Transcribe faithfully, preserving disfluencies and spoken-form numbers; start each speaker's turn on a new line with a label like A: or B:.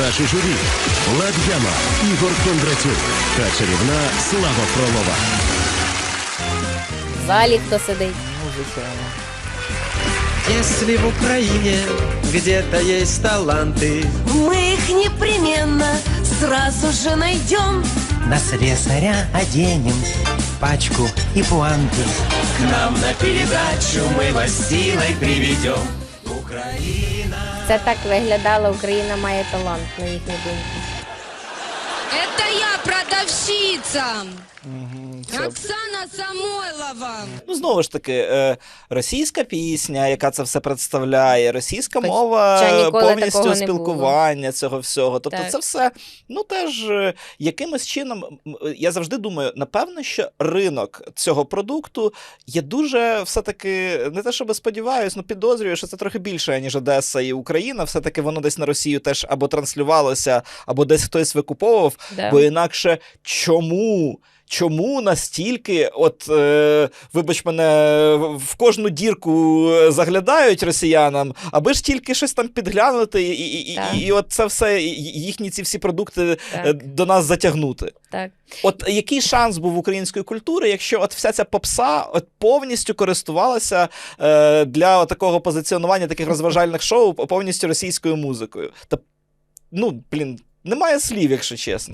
A: Наше журі – Влад Яма, Ігор Кондратюк та чарівна Слава Фролова.
B: В залі хто сидить?
C: Ну, звичайно.
D: Если в Украине где-то есть таланты,
E: Мы их непременно сразу же найдем.
F: На слесаря оденем пачку и пуанты.
D: к нам на передачу мы вас силой приведем.
B: Це так виглядала «Україна має талант», на їхню думку.
G: Это я, продавщица.
C: Це...
G: Оксана Самойлова.
C: Ну, знову ж таки, е, російська пісня, яка це все представляє, російська
B: Хоча
C: мова,
B: ніколи такого
C: повністю
B: не
C: спілкування цього всього. Тобто
B: Так.
C: це все, ну, теж е, якимось чином, м, я завжди думаю, напевно, що ринок цього продукту є дуже, все-таки, не те, щоб сподіваюсь, ну, підозрюю, що це трохи більше, ніж Одеса і Україна. Все-таки воно десь на Росію теж або транслювалося, або десь хтось викуповував,
B: Да.
C: бо інакше чому? Чому настільки, от, е, вибач мене, в кожну дірку заглядають росіянам, аби ж тільки щось там підглянути і, і, і,
B: Так.
C: і от це все, і- їхні ці всі продукти
B: Так.
C: е, до нас затягнути.
B: Так.
C: От який шанс був української культури, якщо от вся ця попса от повністю користувалася е, для от такого позиціонування таких розважальних шоу повністю російською музикою? Та, ну, блін, немає слів, якщо чесно.